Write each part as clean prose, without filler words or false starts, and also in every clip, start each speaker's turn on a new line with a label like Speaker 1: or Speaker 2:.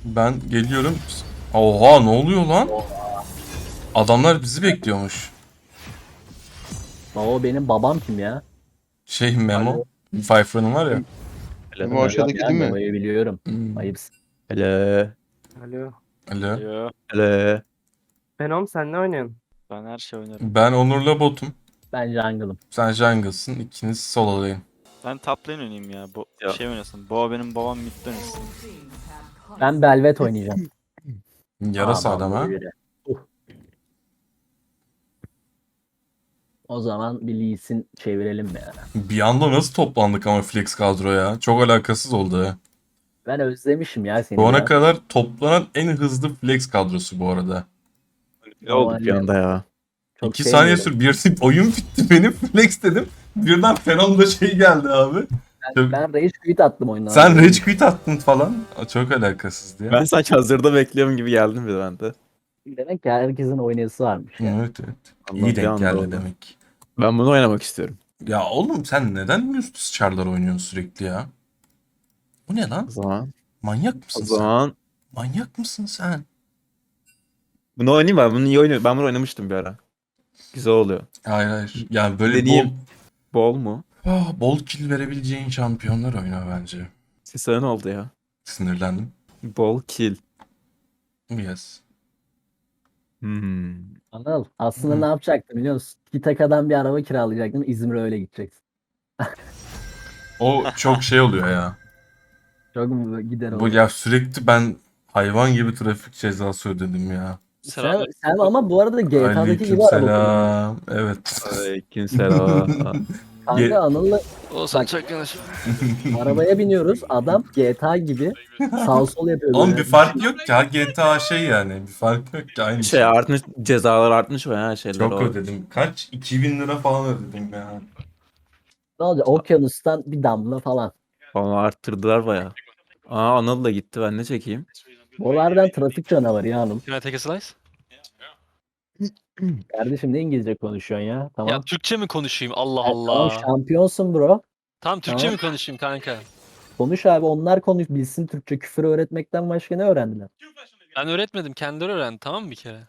Speaker 1: Ben geliyorum. Oha ne oluyor lan? Adamlar bizi bekliyormuş.
Speaker 2: O benim babam kim ya?
Speaker 1: Şey Memo. Pfeiffer'ın var ya.
Speaker 3: Hello.
Speaker 4: Bu aşağıdaki
Speaker 2: Ya
Speaker 4: değil mi?
Speaker 2: Nova'yı biliyorum.
Speaker 1: Hmm.
Speaker 2: Ayıpsın.
Speaker 3: Hello.
Speaker 5: Alo.
Speaker 1: Alo.
Speaker 6: Yo,
Speaker 3: Hello.
Speaker 5: Venom sen ne oynuyorsun?
Speaker 6: ben her şey oynarım.
Speaker 1: Ben Onur'la botum.
Speaker 2: Ben jungle'ım.
Speaker 1: Sen jungle'sın. İkiniz solo'layın.
Speaker 6: Ben top lane oynayayım ya.
Speaker 3: Ya.
Speaker 6: Şey oynasın. Boğa benim babam mid oynasın.
Speaker 2: Ben Belvet oynayacağım.
Speaker 1: Yarasa
Speaker 2: Aman
Speaker 1: adam ha.
Speaker 2: böyle. O zaman bir Lee Sin çevirelim ya.
Speaker 1: Bir anda nasıl toplandık ama flex kadroya? Çok alakasız oldu ha.
Speaker 2: Ben özlemişim ya seni.
Speaker 1: Bu ana
Speaker 2: ya.
Speaker 1: kadar toplanan en hızlı flex kadrosu bu arada.
Speaker 3: Ne oldu bir anda ya?
Speaker 2: Çok
Speaker 1: 2 saniye
Speaker 2: sevmiyorum.
Speaker 1: sür. Bir oyun bitti benim flex dedim. Birden Fenon'da şey geldi abi.
Speaker 2: Ben Rage Quit attım oyundan.
Speaker 1: Sen rage quit attın falan. Çok alakasızdı ya.
Speaker 3: Ben sanki hazırda bekliyorum gibi geldim bir de ben de.
Speaker 2: Demek ki herkesin oynayası varmış ya.
Speaker 1: Evet evet.
Speaker 3: Allah
Speaker 1: İyi
Speaker 3: bir
Speaker 1: denk
Speaker 3: anda
Speaker 1: geldi
Speaker 3: oldu.
Speaker 1: demek.
Speaker 3: Ben bunu oynamak istiyorum.
Speaker 1: Ya oğlum sen neden üst çarlar oynuyorsun sürekli ya? Bu ne lan?
Speaker 3: O zaman.
Speaker 1: Manyak
Speaker 3: O
Speaker 1: mısın sen?
Speaker 3: zaman.
Speaker 1: Manyak mısın sen?
Speaker 3: Bunu oynayayım ben. Bunu iyi oynuyorum. Ben bunu oynamıştım bir ara. Güzel oluyor.
Speaker 1: Hayır hayır. Yani böyle
Speaker 3: Deneyeyim. Bol mu?
Speaker 1: bol kill verebileceğin şampiyonlar oyna bence.
Speaker 3: Sesine ne oldu ya?
Speaker 1: Sinirlendim.
Speaker 3: Bol kill.
Speaker 1: Yes.
Speaker 3: Hmm.
Speaker 2: Anıl aslında
Speaker 1: Hı.
Speaker 2: ne yapacaktım biliyor musun? Kitaka'dan bir araba kiralayacaktım. İzmir'e öyle gideceksin.
Speaker 1: O çok şey oluyor ya.
Speaker 2: Çok mu gider
Speaker 1: Bu
Speaker 2: olur.
Speaker 1: ya sürekli ben hayvan gibi trafik cezası ödedim ya.
Speaker 2: Sen ama bu arada GTA'daki gibi araba kullanıyorsun.
Speaker 1: Aleykümselam. Evet.
Speaker 3: Aleykümselam.
Speaker 2: Kanka Anıl'la
Speaker 6: Olsun
Speaker 2: Bak.
Speaker 6: çok yanaş.
Speaker 2: arabaya biniyoruz. Adam GTA gibi sağ sol yapıyor.
Speaker 1: Oğlum
Speaker 2: böyle.
Speaker 1: bir fark yok ki. Ha, GTA şey yani. Bir fark yok ki. Aynı
Speaker 3: Şey artmış. Cezalar artmış o ya şeyler.
Speaker 1: Çok
Speaker 3: o.
Speaker 1: ödedim. Kaç? 2000 lira falan ödedim ya.
Speaker 2: Ne olacak? Okyanustan bir damla falan.
Speaker 3: Onu arttırdılar baya. Aa Anıl da gitti. Ben ne çekeyim?
Speaker 2: Buralardan trafik canavarı ya Anıl.
Speaker 7: Can I take a slice?
Speaker 2: Kardeşim ne İngilizce konuşuyorsun ya? Tamam.
Speaker 7: Ya Türkçe mi konuşayım? Allah
Speaker 2: Ya
Speaker 7: Allah.
Speaker 2: Tamam şampiyonsun bro.
Speaker 7: Tamam Türkçe
Speaker 2: Tamam.
Speaker 7: mi konuşayım kanka?
Speaker 2: Konuş abi onlar konuş bilsin Türkçe küfür öğretmekten başka ne öğrendiler?
Speaker 7: Ben öğretmedim. Kendileri öğrendi tamam mı bir kere?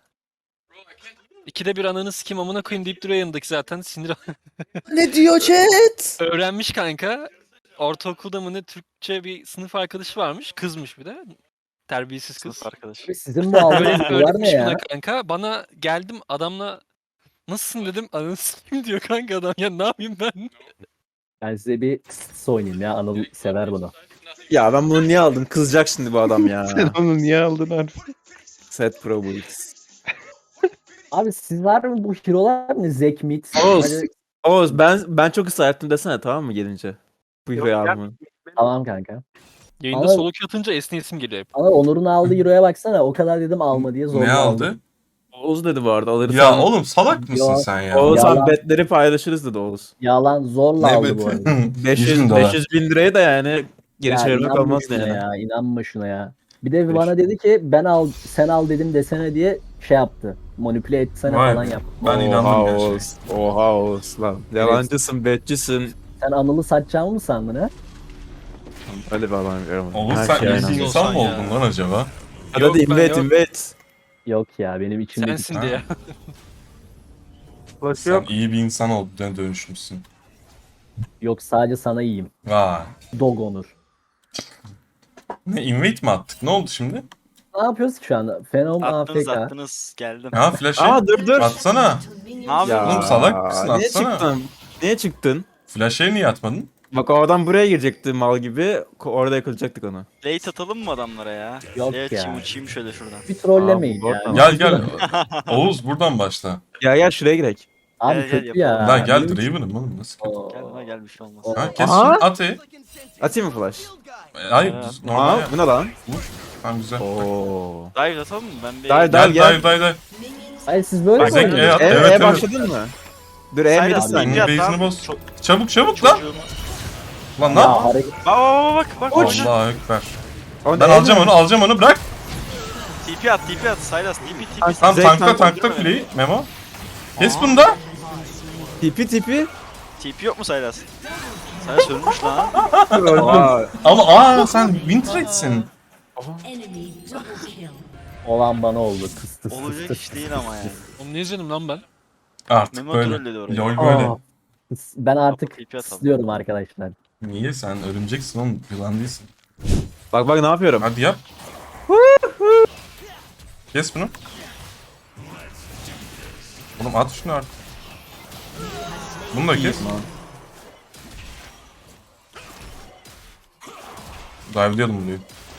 Speaker 7: İkide bir ananı sikim amına koyayım deyip duruyor yanındaki zaten sinir.
Speaker 4: Ne diyor chat?
Speaker 7: Öğrenmiş kanka. Ortaokulda mı ne Türkçe bir sınıf arkadaşı varmış. Kızmış bir de. Terbiyesiz kız.
Speaker 6: Sınıf arkadaş.
Speaker 2: Abi sizin bu aldığınız
Speaker 7: Öyle
Speaker 2: dolar ne
Speaker 7: öğretmiş
Speaker 2: ya?
Speaker 7: buna kanka. Bana geldim adamla nasılsın dedim. Ananı sikim diyor kanka adam. Ya ne yapayım ben?
Speaker 2: Ben size bir kıs oynayayım ya Anıl sever bunu.
Speaker 3: Ya ben bunu niye aldım? Kızacak şimdi bu adam ya.
Speaker 4: Sen onu niye aldın harbi?
Speaker 3: Set Pro bu X.
Speaker 2: Abi siz var mı bu hero'lar ne? Zekmit.
Speaker 3: Oğuz.
Speaker 2: Hadi-
Speaker 3: Oğuz ben çok ısrar ettim desene tamam mı gelince? Bu hero'yu alma.
Speaker 2: Tamam kanka.
Speaker 7: Yayında
Speaker 2: Ama-
Speaker 7: soluk atınca esneyesim geliyor hep.
Speaker 2: Ama Onur'un aldığı hero'ya baksana o kadar dedim alma diye zorla
Speaker 1: Ne
Speaker 2: aldı.
Speaker 1: aldı?
Speaker 3: Oğuz dedi bu arada alırsan.
Speaker 1: Ya oğlum salak mısın
Speaker 2: Ya,
Speaker 1: sen ya?
Speaker 3: Oğuz
Speaker 2: Yalan.
Speaker 3: abi betleri paylaşırız dedi Oğuz.
Speaker 2: Yalan zorla aldı bu arada.
Speaker 3: 500, 500 bin liraya da yani geri
Speaker 2: Ya
Speaker 3: çevirmek
Speaker 2: inanma
Speaker 3: olmaz
Speaker 2: şuna
Speaker 3: yani.
Speaker 2: ya, inanma şuna ya. Bir de bana dedi ki ben al sen al dedim desene diye şey yaptı. Manipüle etsene
Speaker 1: Vay
Speaker 2: falan
Speaker 1: be.
Speaker 2: yaptı.
Speaker 1: Ben inandım
Speaker 3: Oha
Speaker 1: gerçekten.
Speaker 3: Oğuz. Oha Oğuz lan. Yalancısın, betçisin.
Speaker 2: Sen Anıl'ı satacağımı mı sandın ha?
Speaker 3: Öyle bir adam görmedim.
Speaker 1: Oğlum
Speaker 3: Her
Speaker 1: sen
Speaker 3: şeye
Speaker 1: iyi bir
Speaker 3: inandım.
Speaker 7: inandım.
Speaker 1: insan mı
Speaker 7: Olsan
Speaker 1: oldun
Speaker 7: ya.
Speaker 1: lan acaba?
Speaker 3: Hadi
Speaker 7: Yok
Speaker 3: hadi
Speaker 7: ben
Speaker 3: invade
Speaker 7: yok.
Speaker 3: invade.
Speaker 2: Yok ya benim içimde
Speaker 7: Sensin
Speaker 1: Ha.
Speaker 7: diye.
Speaker 5: Flash
Speaker 1: Sen
Speaker 5: yok.
Speaker 1: iyi bir insan olduğuna dönüşmüşsün.
Speaker 2: yok sadece sana iyiyim.
Speaker 1: Vay.
Speaker 2: Dog Onur.
Speaker 1: Ne invite mi attık? Ne oldu şimdi?
Speaker 2: Ne yapıyoruz ki şu anda? Fenom
Speaker 6: Attınız
Speaker 2: AFK.
Speaker 6: attınız. Geldim.
Speaker 1: Ha flash'ı
Speaker 3: Aa dur.
Speaker 1: atsana.
Speaker 6: Ne yapıyorsun?
Speaker 1: Oğlum salak mısın?
Speaker 3: Niye
Speaker 1: Atsana.
Speaker 3: çıktın? Niye çıktın?
Speaker 1: Flash'ı niye atmadın?
Speaker 3: Bak o adam buraya girecekti mal gibi. Orada yakalayacaktık onu.
Speaker 6: Late atalım mı adamlara ya?
Speaker 2: Yok
Speaker 6: Evet,
Speaker 2: ya.
Speaker 6: uçayım şöyle şuradan.
Speaker 2: Bir trollemeyin
Speaker 3: Aa,
Speaker 2: ya.
Speaker 3: bu
Speaker 1: Gel gel. Oğuz buradan başla.
Speaker 3: Gel şuraya girek.
Speaker 2: Abi
Speaker 6: Gel, gel,
Speaker 2: kötü ya.
Speaker 6: yapalım.
Speaker 1: Lan gel
Speaker 2: Benim için-
Speaker 1: Draven'ım oğlum nasıl?
Speaker 2: Oo.
Speaker 6: Gel lan gel bir şey olmaz.
Speaker 2: Oo.
Speaker 1: Ha kes
Speaker 3: Aha.
Speaker 1: şunu at
Speaker 3: Atayım mı flash?
Speaker 1: Hayır
Speaker 6: Aa.
Speaker 1: normal
Speaker 3: Aa
Speaker 1: yap.
Speaker 3: bu ne lan?
Speaker 1: Vur. Tamam güzel.
Speaker 3: Oo.
Speaker 6: Dive atalım mı? Ben bir...
Speaker 3: Dive,
Speaker 1: Gel
Speaker 3: gel.
Speaker 1: dive.
Speaker 2: Hayır siz böyle
Speaker 1: Bak,
Speaker 2: mi
Speaker 1: Zek,
Speaker 2: oynuyorsunuz?
Speaker 1: at.
Speaker 3: E,
Speaker 1: Evet, evet.
Speaker 3: başladın mı? Dur
Speaker 6: Saylas,
Speaker 3: Emir
Speaker 2: Abi,
Speaker 3: sen.
Speaker 1: Benim
Speaker 6: yap
Speaker 1: base'ini
Speaker 6: lan.
Speaker 1: boz.
Speaker 6: Çok-
Speaker 1: Çabuk lan.
Speaker 6: Çocuğumu.
Speaker 1: Lan ne
Speaker 2: Ya
Speaker 1: yap?
Speaker 2: hareket
Speaker 6: Bak.
Speaker 1: Allahu ekber.
Speaker 3: O
Speaker 1: Ben
Speaker 3: ne?
Speaker 1: alacağım onu bırak.
Speaker 6: TP at. Saylas TP.
Speaker 3: Zek
Speaker 1: Tamam tankla
Speaker 6: tankla
Speaker 1: fleyi Memo. Kes bunu da.
Speaker 3: Tipi.
Speaker 6: TP yok mu Saylas? Saylas ölmüş lan.
Speaker 3: Aa,
Speaker 1: Ama sen win trade'sin.
Speaker 8: Enemy double kill.
Speaker 2: Olan bana oldu. Tıs tıs
Speaker 6: Olacak
Speaker 2: tıs
Speaker 6: iş
Speaker 2: tıs
Speaker 6: değil
Speaker 2: tıs
Speaker 6: ama
Speaker 2: tıs.
Speaker 6: yani.
Speaker 7: Oğlum ne izledim lan ben?
Speaker 1: Artık
Speaker 6: Memo
Speaker 1: böyle.
Speaker 6: trolledi orayı.
Speaker 1: LoL böyle.
Speaker 2: Aa, Ben artık
Speaker 6: TP atalım.
Speaker 2: istiyorum arkadaşlar.
Speaker 1: Niye sen örümceksin oğlum, yılan değilsin.
Speaker 3: Bak ne yapıyorum.
Speaker 1: Hadi yap. Kes bunu. Oğlum at şunu artık. Bunu da kes. Dive'liyordum bunu.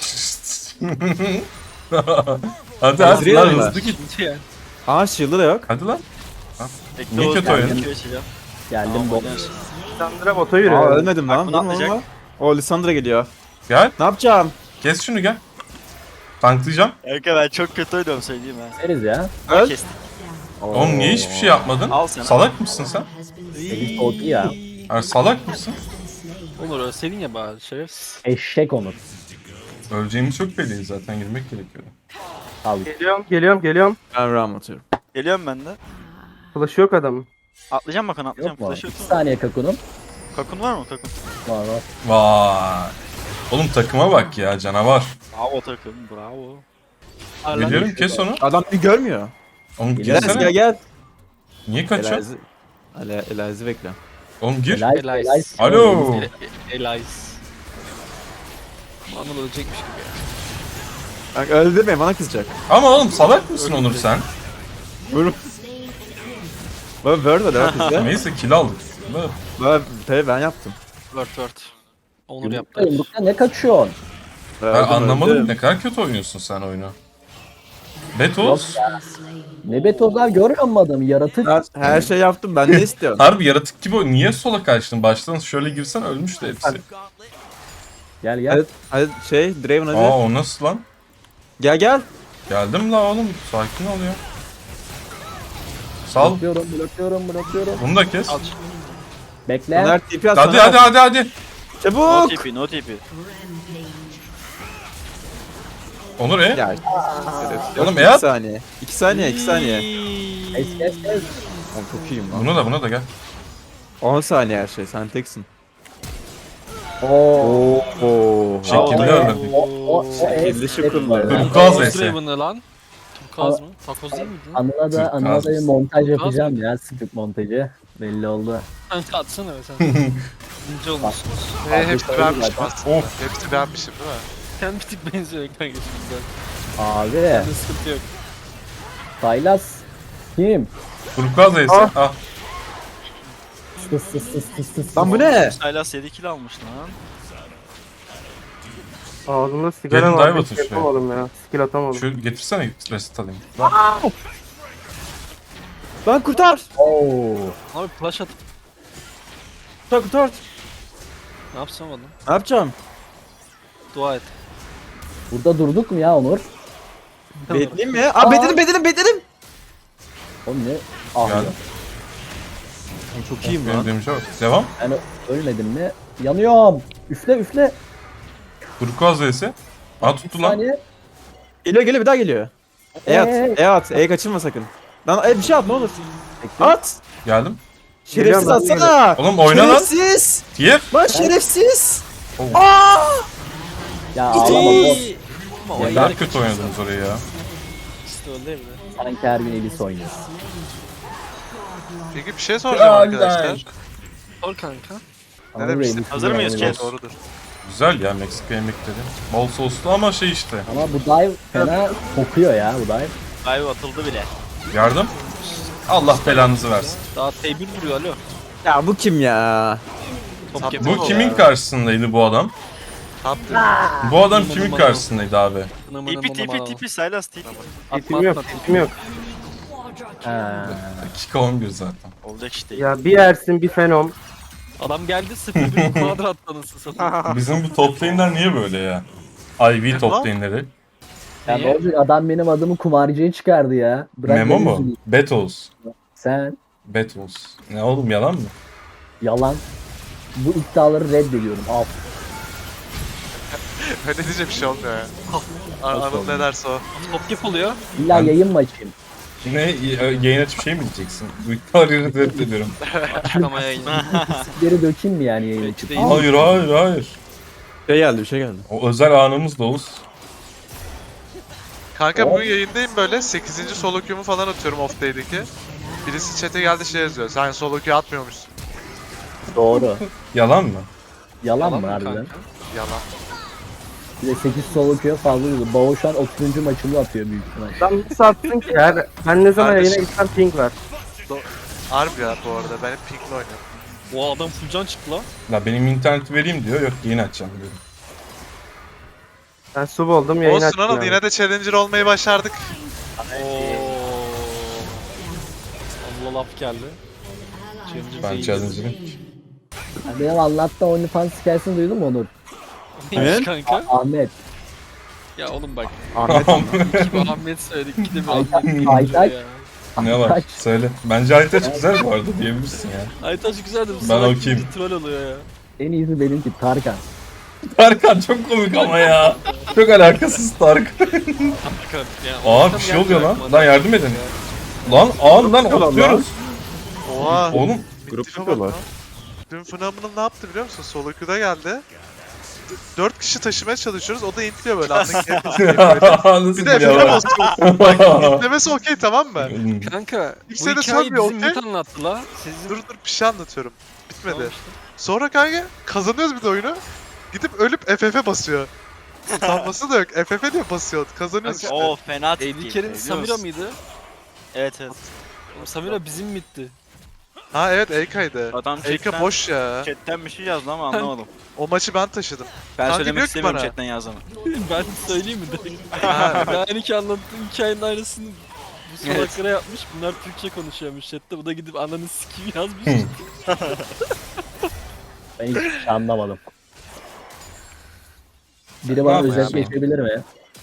Speaker 1: Hadi hadi lan,
Speaker 3: Hazırlayalım
Speaker 1: hızlı git.
Speaker 3: Aa shield'ı da yok.
Speaker 1: Hadi lan.
Speaker 6: Bekle
Speaker 1: Niye
Speaker 6: Oğuz,
Speaker 1: kötü
Speaker 6: ben
Speaker 1: oynadın?
Speaker 6: Q açacağım.
Speaker 2: Geldim
Speaker 6: Tamam,
Speaker 2: bot.
Speaker 6: oynarsın.
Speaker 5: Sandra bota
Speaker 3: Aa
Speaker 5: yürüyor.
Speaker 3: ölmedim lan.
Speaker 6: Bunu
Speaker 3: Lan
Speaker 6: atlayacak.
Speaker 3: lan. O Lissandra geliyor.
Speaker 1: Gel.
Speaker 3: Ne yapacağım?
Speaker 1: Kes şunu gel. Tanklayacağım.
Speaker 6: Kanka ben çok kötü oynuyorum söyleyeyim ha.
Speaker 2: Deriz ya.
Speaker 3: Öl.
Speaker 6: Kestik.
Speaker 1: Oğlum niye hiçbir şey yapmadın?
Speaker 6: Al sen.
Speaker 1: Salak mısın sen?
Speaker 2: Elis OP ya.
Speaker 1: Yani salak mısın?
Speaker 7: Olur ölseydin ya bari şerefsiz.
Speaker 2: Eşek Onur.
Speaker 1: Öleceğimiz çok belli, zaten girmek gerekiyordu.
Speaker 2: Al.
Speaker 5: Geliyorum.
Speaker 3: Ben ram atıyorum.
Speaker 6: Geliyorum ben de.
Speaker 5: Flash yok adamın.
Speaker 6: Atlayacağım bakın atlayacağım.
Speaker 2: Yok mu?
Speaker 6: Flash yok
Speaker 2: 2
Speaker 6: mu?
Speaker 2: saniye kakunum.
Speaker 6: Kakun var mı kakun?
Speaker 2: Var var.
Speaker 1: Vay. Oğlum takıma bak ya, canavar.
Speaker 6: Bravo takım bravo.
Speaker 1: Biliyorum, kes onu.
Speaker 3: Adam bir görmüyor.
Speaker 1: Oğlum
Speaker 3: Gel
Speaker 1: girsene.
Speaker 3: gel.
Speaker 1: Niye kaçıyorsun?
Speaker 3: Elazi bekle.
Speaker 1: Oğlum gir.
Speaker 2: Helal,
Speaker 7: Helal.
Speaker 2: helal.
Speaker 1: Alo.
Speaker 7: Elias. Anıl ölecekmiş gibi ya.
Speaker 3: Bak öldürme bana kızacak.
Speaker 1: Ama oğlum salak mısın Onur sen?
Speaker 3: Baba word da kızdı.
Speaker 1: Neyse kill aldık.
Speaker 3: Baba tabii ben yaptım.
Speaker 7: Word. Onur
Speaker 2: Yumrukta
Speaker 7: yaptı.
Speaker 2: yumrukta ne kaçıyorsun?
Speaker 1: Ben
Speaker 3: Öldüm,
Speaker 1: anlamadım,
Speaker 3: öldüm.
Speaker 1: ne kadar kötü oynuyorsun sen oyunu. Betos.
Speaker 2: Ne betozlar görmüyor musun adamı? Yaratık.
Speaker 3: Her şey yaptım ben ne istiyorum?
Speaker 1: Harbi yaratık gibi oyun. Niye sola kaçtın? Baştan şöyle girsen ölmüştü hepsi.
Speaker 2: Gel gel.
Speaker 3: Hadi, hadi Draven hadi.
Speaker 1: Aa o nasıl lan?
Speaker 3: Gel.
Speaker 1: Geldim la oğlum. Sakin ol ya. Sal.
Speaker 2: Blokluyorum.
Speaker 1: Bunu da kes.
Speaker 2: Bekle.
Speaker 3: Soner TP at
Speaker 1: Hadi
Speaker 3: Soner.
Speaker 1: hadi.
Speaker 6: No
Speaker 3: Çabuk.
Speaker 6: TP no TP.
Speaker 1: Onur
Speaker 3: Ya.
Speaker 1: Oğlum,
Speaker 3: 2
Speaker 1: Eyad.
Speaker 3: saniye. 2 saniye.
Speaker 2: Kes.
Speaker 3: Oğlum çok iyiyim lan.
Speaker 1: Buna da gel.
Speaker 3: 10 saniye her şey sen teksin.
Speaker 2: Oo.
Speaker 3: Oo.
Speaker 1: Şekilli öldürdük.
Speaker 2: O
Speaker 3: Şekilli şıkıldı.
Speaker 1: Turkuaz
Speaker 7: Takoz
Speaker 1: vs.
Speaker 7: Draven'ı lan. Turkuaz mı? Takoz değil miydi lan?
Speaker 2: Anıl'a da bir
Speaker 1: Türk
Speaker 2: montaj yapacağım ya. Script montajı. Belli oldu.
Speaker 7: Kanka atsana be sen. İnce olmuşsunuz.
Speaker 9: Hepsi beğenmişim aslında.
Speaker 1: Of.
Speaker 9: Hepsi beğenmişim değil mi?
Speaker 7: Sen bir tık benziyor kanka şimdiden.
Speaker 2: Abi.
Speaker 7: Sende sıkıntı yok.
Speaker 2: Saylas. Kim?
Speaker 1: Turkuaz vs. Ah.
Speaker 2: Tıs.
Speaker 3: Lan bu ne?
Speaker 6: Silas 7 kill almış lan.
Speaker 5: Ağzımda sigara
Speaker 1: Gelin
Speaker 5: var.
Speaker 1: dive
Speaker 5: Hiç
Speaker 1: atın şuraya.
Speaker 5: yapamadım ya. Skill atamadım.
Speaker 1: Şu getirsene reset alayım.
Speaker 3: Lan kurtar.
Speaker 2: Oo.
Speaker 7: Abi flash atıp
Speaker 3: Kurtar.
Speaker 7: ne yapsam oğlum?
Speaker 3: Ne yapacağım?
Speaker 7: Dua et.
Speaker 2: Burada durduk mu ya Onur?
Speaker 3: Bekleyeyim mi? Aa bedenim.
Speaker 2: Oğlum ne? Ah ya.
Speaker 1: Geldim.
Speaker 3: Çok iyiyim
Speaker 1: Benim
Speaker 3: lan.
Speaker 1: demiş bak. Devam.
Speaker 2: Ben ölmedim mi? Yanıyorum. Üfle.
Speaker 1: Turkuaz vs. Aa tuttu lan.
Speaker 2: Saniye.
Speaker 3: Geliyor bir daha geliyor. at. Kaçırma sakın. Lan bir şey at ne olur.
Speaker 2: Bekle.
Speaker 3: At.
Speaker 1: Geldim.
Speaker 3: Şerefsiz
Speaker 5: Geliyorum ben,
Speaker 3: atsana.
Speaker 1: Oğlum oyna lan.
Speaker 3: Şerefsiz.
Speaker 1: Tier.
Speaker 3: Lan şerefsiz.
Speaker 2: Ya ağlama boss.
Speaker 7: Ama
Speaker 2: Ya
Speaker 7: o
Speaker 1: Daha
Speaker 7: yere
Speaker 1: kötü oynadınız orayı ya.
Speaker 7: ikisi de öldü evde.
Speaker 2: Sanki her gün Elis oynuyor.
Speaker 9: Peki bir şey soracağım arkadaşlar.
Speaker 7: Sor kanka.
Speaker 9: Ne demiştin?
Speaker 6: Hazır mıyız chat?
Speaker 9: Doğrudur.
Speaker 1: Güzel ya, Meksika yemekleri. Bol soslu ama şey işte.
Speaker 2: Ama bu dive fena kokuyor ya bu dive.
Speaker 6: Dive atıldı bile.
Speaker 1: Yardım. Allah belanızı versin.
Speaker 7: Daha T1 vuruyor alo.
Speaker 3: Ya bu kim ya?
Speaker 7: Top
Speaker 9: Saptı
Speaker 7: yapıyor.
Speaker 1: Bu kimin karşısındaydı bu adam?
Speaker 9: Tatlı.
Speaker 1: Bu adam kimin karşısındaydı abi?
Speaker 6: TP Silas TP.
Speaker 5: Tipim yok.
Speaker 2: Ha.
Speaker 1: Dakika 11 zaten.
Speaker 6: Olacak işte.
Speaker 5: Ya bir Ersin bir Fenom.
Speaker 7: Adam geldi 0-1 kvadrat tanısı satın.
Speaker 1: Bizim bu top lane'ler niye böyle ya? IV top lane'leri.
Speaker 2: Ya
Speaker 7: Niye?
Speaker 2: Roger adam benim adımı kumarcıya çıkardı ya. Bırak
Speaker 1: Memo
Speaker 2: beni
Speaker 1: mu?
Speaker 2: üzüleyim.
Speaker 1: Betos.
Speaker 2: Sen
Speaker 1: Betos. Ne oğlum, yalan mı?
Speaker 2: yalan. Bu iddiaları reddediyorum. Al.
Speaker 9: Öyle diyecek bir şey olmuyor ya. Anıl ne derse o.
Speaker 7: Top yap oluyor.
Speaker 2: İlla
Speaker 1: Ben-
Speaker 2: yayın mı açayım?
Speaker 1: Ne, yayın açıp şey mi diyeceksin? Bu iddiaları reddediyorum.
Speaker 7: Açıklama yayını.
Speaker 2: Geri dökeyim mi yani yayın
Speaker 7: Peki
Speaker 2: açıp?
Speaker 7: değil.
Speaker 2: Al.
Speaker 1: Hayır.
Speaker 3: Bir şey geldi.
Speaker 1: O özel anımız da Oğuz.
Speaker 9: Kanka bugün yayındayım böyle 8. solo queue'mu falan atıyorum off day'deki. Birisi chat'e geldi şey yazıyor. Sen solo queue atmıyormuşsun.
Speaker 2: Doğru.
Speaker 1: Yalan mı?
Speaker 2: Yalan mı
Speaker 7: Yalan mı
Speaker 2: harbiden?
Speaker 7: kanka?
Speaker 9: Yalan.
Speaker 2: Bir de 8 solo queue fazla diyordu. Bao şu an 30. maçını atıyor büyük ihtimal.
Speaker 5: Lan nasıl attın ki ya? Ben ne zaman
Speaker 9: Kardeşim.
Speaker 5: yayına gitsem ping var.
Speaker 9: Harbi ya bu arada ben hep pink'le oynuyorum.
Speaker 7: O adam full can çıktı lan.
Speaker 1: La benim interneti vereyim diyor. Yok yayın açacağım diyorum.
Speaker 5: Ben sub oldum yayın
Speaker 9: Olsun
Speaker 5: açtım.
Speaker 9: Anıl
Speaker 5: yani.
Speaker 9: yine de challenger olmayı başardık.
Speaker 7: Allah laf geldi.
Speaker 1: Ben challenge'ım.
Speaker 2: Yani benim anlattığım OnlyFans hikayesini duydun mu Onur?
Speaker 7: Neymiş kanka?
Speaker 2: Ahmet.
Speaker 7: Ya oğlum bak.
Speaker 3: Ahmet
Speaker 7: İki bir Ahmet söyledik, iki de bir Ahmet
Speaker 2: Aytaç.
Speaker 7: ya.
Speaker 1: Ne var?
Speaker 2: Aytaç.
Speaker 1: Söyle. Bence Aytaç güzel bu arada diyebilirsin ya.
Speaker 7: Aytaç güzeldi. Bu
Speaker 1: Ben
Speaker 7: salak
Speaker 1: okeyim.
Speaker 7: bir troll oluyor ya.
Speaker 2: En iyisi benimki Tarkan.
Speaker 1: Tarkan çok komik ama ya. Çok alakasız Tarkan.
Speaker 7: Tarkan. Ya,
Speaker 1: Aa
Speaker 7: ortam
Speaker 1: bir şey oluyor lan.
Speaker 7: geldi
Speaker 1: Lan yardım edin. Lan lan atıyoruz.
Speaker 9: Oha.
Speaker 1: Oğlum
Speaker 3: grup
Speaker 9: Tipe bak
Speaker 3: yapıyorlar.
Speaker 9: lan. Dün Phenomenal ne yaptı biliyor musun? Solo queue'da geldi. 4 kişi taşımaya çalışıyoruz. O da intliyor böyle. Anlık
Speaker 1: nasıl
Speaker 9: bir de
Speaker 1: geliyor
Speaker 9: F'e
Speaker 1: lan?
Speaker 9: basıyor. Bak intlemesi okey tamam mı?
Speaker 7: Kanka
Speaker 9: İlk
Speaker 7: bu
Speaker 9: sene
Speaker 7: hikayeyi
Speaker 9: sormuyor,
Speaker 7: bizim
Speaker 9: okey?
Speaker 7: Mut anlattı la. Sizin...
Speaker 9: Dur bir şey anlatıyorum. Bitmedi.
Speaker 7: Tamam işte.
Speaker 9: Sonra kanka kazanıyoruz bir de oyunu. Gidip ölüp FF'e basıyor. Utanması da yok. FF diye basıyor. Kazanıyoruz işte.
Speaker 6: Oo fena
Speaker 7: AD
Speaker 6: tepki.
Speaker 7: Carry'nin Samira mıydı?
Speaker 6: Evet evet.
Speaker 7: Oğlum Samira bizim mitti.
Speaker 9: Ha evet Eika'ydı.
Speaker 6: Adam
Speaker 9: Eika
Speaker 6: chatten,
Speaker 9: boş ya.
Speaker 6: chatten bir şey yazdı ama anlamadım.
Speaker 9: O maçı ben taşıdım.
Speaker 6: Ben
Speaker 9: Kanka
Speaker 6: söylemek
Speaker 9: diyor ki
Speaker 6: istemiyorum
Speaker 9: bana.
Speaker 6: chatten yazdığını.
Speaker 7: Ben söyleyeyim mi direkt?
Speaker 9: Ha,
Speaker 7: Ben ki anlattığım hikayenin aynısını bu salaklara yapmış. Bunlar Türkçe konuşuyormuş chatte. Bu da gidip ananı sikeyim yazmış.
Speaker 2: Ben hiç şey anlamadım. Biri bana
Speaker 1: Tamam
Speaker 2: özet
Speaker 1: ya.
Speaker 2: geçebilir mi?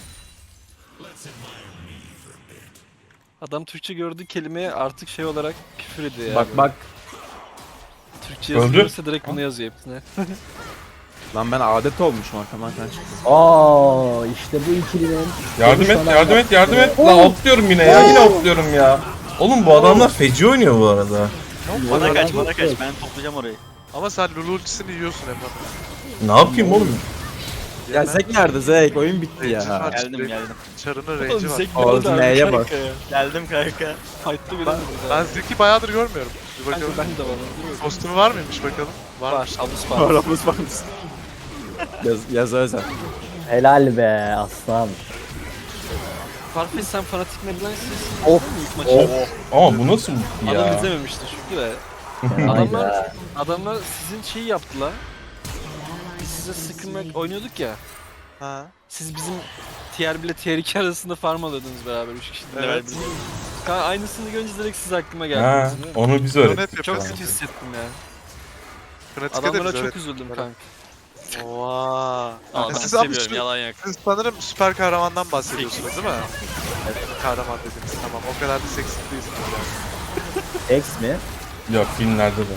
Speaker 7: Adam Türkçe gördüğü kelimeye artık şey olarak küfür ediyor ya.
Speaker 3: Bak
Speaker 7: böyle.
Speaker 3: bak.
Speaker 7: Türkçe
Speaker 1: Öldü.
Speaker 7: yazılırsa direkt bunu yazıyor hepsine.
Speaker 3: Lan ben adet olmuşum arkamdan sen çıktın.
Speaker 2: Aa işte bu ikilinin
Speaker 1: Yardım et,
Speaker 2: konuşmadan
Speaker 1: yardım et, yardım et.
Speaker 2: Oo.
Speaker 1: Lan atlıyorum yine ya, yine atlıyorum ya. Oğlum bu adamlar feci oynuyor bu arada.
Speaker 6: Bana kaç bana
Speaker 2: yok.
Speaker 6: kaç ben toplayacağım orayı.
Speaker 9: ama sen Lulu ultisini yiyorsun hep.
Speaker 1: Ne yapayım oğlum?
Speaker 3: Ya Zek nerede Zek? Oyun bitti
Speaker 9: Rage'i
Speaker 3: ya.
Speaker 9: var.
Speaker 6: Geldim geldim.
Speaker 9: Çarının
Speaker 7: Oğlum
Speaker 9: range'i var.
Speaker 7: Zek
Speaker 3: Ağzı
Speaker 7: bana da
Speaker 3: neye
Speaker 7: kanka
Speaker 3: bak.
Speaker 7: ya.
Speaker 6: Geldim kanka.
Speaker 7: Fight'ta bile
Speaker 9: Ben Zek'i bayağıdır görmüyorum. Bir
Speaker 7: Kanka
Speaker 9: bakalım.
Speaker 7: ben de var.
Speaker 9: Kostümü var mıymış bakalım?
Speaker 7: Var.
Speaker 9: Varmış.
Speaker 7: Abus var.
Speaker 3: Aramız var mısın? Yaz özel.
Speaker 2: helal be aslan.
Speaker 7: Farfetch sen fanatik Medline'siz.
Speaker 2: Of,
Speaker 7: ilk maçı.
Speaker 2: of.
Speaker 1: Ama bu nasıl
Speaker 7: Adam
Speaker 1: ya?
Speaker 7: izlememişti çünkü de.
Speaker 2: Hayda.
Speaker 7: Adamlar sizin şeyi yaptılar. Biz size sıkılmak oynuyorduk ya.
Speaker 9: Ha.
Speaker 7: Siz bizim tier 1 ile tier 2 arasında farm alıyordunuz beraber 3 kişi.
Speaker 9: Evet.
Speaker 7: Kanka aynısını görünce direkt siz aklıma
Speaker 1: Ha,
Speaker 7: geldiniz. biliyor musun?
Speaker 1: onu biz
Speaker 9: Bunu
Speaker 1: öğrettik.
Speaker 9: hep
Speaker 7: Çok
Speaker 9: yapıyoruz.
Speaker 7: kötü hissettim ya.
Speaker 9: Pratikte de
Speaker 7: Adamlara
Speaker 9: biz
Speaker 7: çok
Speaker 9: öğrettik.
Speaker 7: üzüldüm kanka.
Speaker 9: Oha.
Speaker 7: Aa, ben
Speaker 9: Siz ama
Speaker 7: seviyorum
Speaker 9: şu-
Speaker 7: yalan yok.
Speaker 9: Siz sanırım süper kahramandan bahsediyorsunuz değil mi? Evet. Kahraman dediğiniz tamam. O kadar da seksi değilsiniz yani.
Speaker 2: X mi?
Speaker 1: Yok filmlerde de.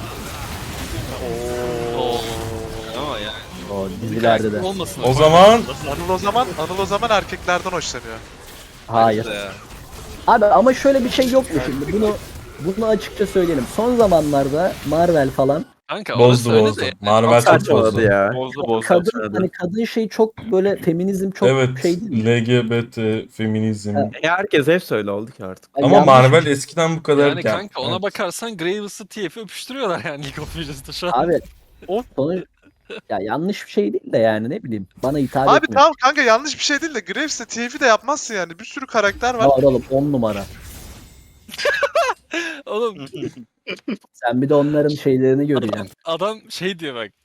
Speaker 7: Oo. Ama ya.
Speaker 2: O dizilerde de.
Speaker 7: Olmasın.
Speaker 1: O zaman
Speaker 9: Anıl o zaman erkeklerden hoşlanıyor.
Speaker 2: Hayır.
Speaker 7: Ya.
Speaker 2: Abi ama şöyle bir şey yok mu şimdi? Bunu açıkça söyleyelim. Son zamanlarda Marvel falan
Speaker 7: Kanka
Speaker 1: bozdu
Speaker 7: orası öyle
Speaker 1: bozdu.
Speaker 7: de.
Speaker 1: Marvel çok
Speaker 3: Saçmaladı
Speaker 1: bozdu.
Speaker 3: ya.
Speaker 6: Bozdu
Speaker 2: kadın hani kadın şey çok böyle feminizm çok
Speaker 1: Evet,
Speaker 2: şey değil.
Speaker 1: LGBT, feminizm.
Speaker 2: Ha.
Speaker 3: Herkes hep öyle oldu ki artık.
Speaker 2: Ay,
Speaker 1: Ama
Speaker 2: yanlış-
Speaker 1: Marvel eskiden bu kadar.
Speaker 7: Yani kanka ona bakarsan Graves'ı TF'i öpüştürüyorlar yani League of Legends'da şu an.
Speaker 2: Abi
Speaker 9: O-
Speaker 2: sonuç ya yanlış bir şey değil de yani ne bileyim bana hitap
Speaker 9: Abi
Speaker 2: etmiyor.
Speaker 9: tamam kanka yanlış bir şey değil de Graves'le TF'i de yapmazsın yani. Bir sürü karakter var.
Speaker 2: Var oğlum 10 numara.
Speaker 7: Oğlum
Speaker 2: Sen bir de onların şeylerini göreceksin.
Speaker 7: adam şey diyor bak.